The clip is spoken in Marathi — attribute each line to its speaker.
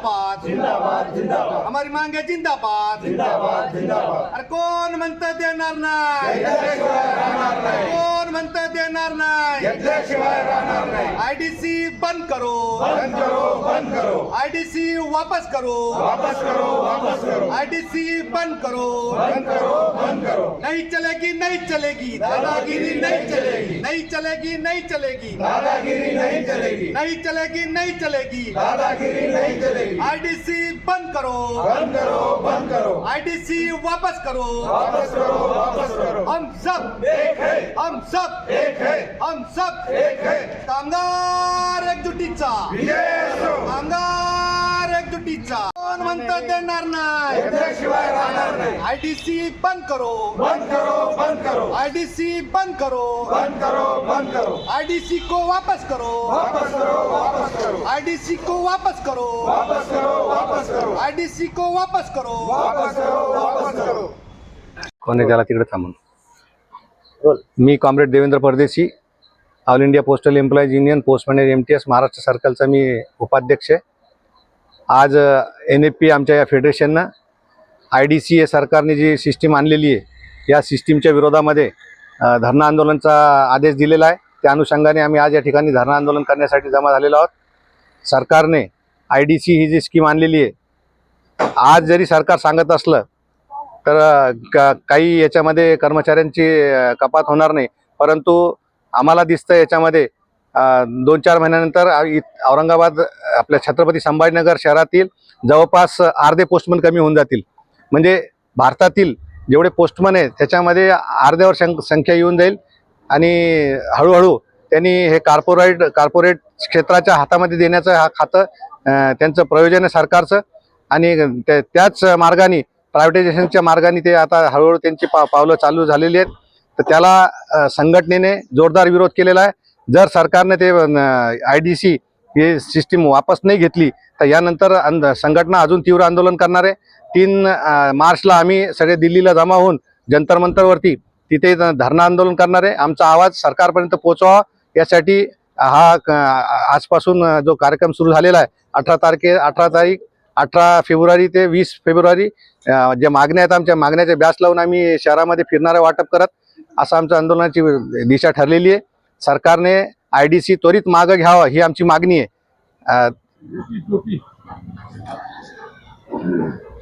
Speaker 1: जिंदाबाद
Speaker 2: जिंदाबाद जिंदाबाद
Speaker 1: हमारी मांग है जिंदाबाद
Speaker 2: जिंदाबाद जिंदाबाद
Speaker 1: अरे कोण म्हणतं देणार नाही
Speaker 2: घेतल्याशिवाय राहणार नाही
Speaker 1: कोण म्हणतं देणार नाही
Speaker 2: घेतल्याशिवाय राहणार नाही
Speaker 1: आईडीसी बंद करो
Speaker 2: बंद करो बंद करो
Speaker 1: आईडीसी वापस करो
Speaker 2: वापस करो वापस करो
Speaker 1: आईडीसी बंद करो
Speaker 2: बंद करो बंद करो
Speaker 1: नहीं चलेगी नहीं चलेगी
Speaker 2: दादागिरी नहीं चलेगी
Speaker 1: नहीं चलेगी नहीं चलेगी
Speaker 2: दादागिरी नहीं चलेगी
Speaker 1: नहीं चलेगी नहीं चलेगी
Speaker 2: दादागिरी नहीं चलेगी
Speaker 1: आईडीसी बंद करो
Speaker 2: बंद करो बंद करो
Speaker 1: आईडीसी वापस करो
Speaker 2: वापस करो वापस करो
Speaker 1: हम सब
Speaker 2: एक है
Speaker 1: हम सब
Speaker 2: एक है
Speaker 1: हम सब
Speaker 2: एक है
Speaker 1: कामगार एकजुटीचा
Speaker 2: विजय असो
Speaker 1: कामगार एकजुटीचा कोण म्हणतं देणार नाही
Speaker 2: घेतल्याशिवाय राहणार नाही
Speaker 1: आईडीसी बंद करो
Speaker 2: बंद करो बंद करो
Speaker 1: आईडीसी बंद करो
Speaker 2: बंद करो बंद करो
Speaker 1: आईडीसी को वापस करो
Speaker 2: वापस करो वापस करो
Speaker 1: आईडीसी को वापस करो
Speaker 2: वापस करो वापस करो
Speaker 1: आईडीसी को वापस करो
Speaker 2: वापस करो वापस करो
Speaker 3: कोणी त्याला तिकडे थांबून मी comrade Devendra Pardeshi all India postal employees union postman MTS Maharashtra सर्कलचा मी उपाध्यक्ष आहे. आज NFP आमच्या या फेडरेशननं IDC या सरकारने जी सिस्टीम आणलेली आहे या सिस्टीमच्या विरोधामध्ये धरणं आंदोलनाचा आदेश दिलेला आहे. त्या अनुषंगाने आम्ही आज या ठिकाणी धरणं आंदोलन करण्यासाठी जमा झालेलो आहोत. सरकारने IDC ही जी स्कीम आणलेली आहे आज जरी सरकार सांगत असलं तर काही याच्यामध्ये कर्मचाऱ्यांची कपात होणार नाही, परंतु आम्हाला दिसतं याच्यामध्ये 2-4 महिन्यानंतर औरंगाबाद आपल्या छत्रपती संभाजीनगर शहरातील जवळपास अर्धे पोस्टमन कमी होऊन जातील. म्हणजे भारतातील जेवढे पोस्टमन आहेत त्याच्यामध्ये अर्ध्यावर संख्या येऊन जाईल आणि हळूहळू त्यांनी हे कॉर्पोरेट क्षेत्राच्या हातामध्ये देण्याचं हा खातं त्यांचं प्रयोजन आहे सरकारचं आणि त्याच मार्गाने प्रायव्हेटायझेशनच्या मार्गाने ते आता हळूहळू त्यांची पावलं चालू झालेली आहेत. तर त्याला संघटनेने जोरदार विरोध केलेला आहे. जर सरकारने ते IDC ही सिस्टीम वापस नाही घेतली तर यानंतर संघटना अजून तीव्र आंदोलन करणार आहे. 3 मार्चला आम्ही सगळे दिल्लीला जमा होऊन जंतर मंतरवरती तिथे धरणं आंदोलन करणार आहे. आमचा आवाज सरकारपर्यंत पोहोचवा यासाठी हा आजपासून जो कार्यक्रम सुरू झालेला आहे 18 फेब्रुवारी ते 20 फेब्रुवारी ज्या मागण्या आहेत आमच्या मागण्याचे बॅच लावून आम्ही शहरामध्ये फिरणारे वाटप करत असं आमच्या आंदोलनाची दिशा ठरलेली आहे. सरकारने IDC त्वरित मागं घ्यावं ही आमची मागणी आहे.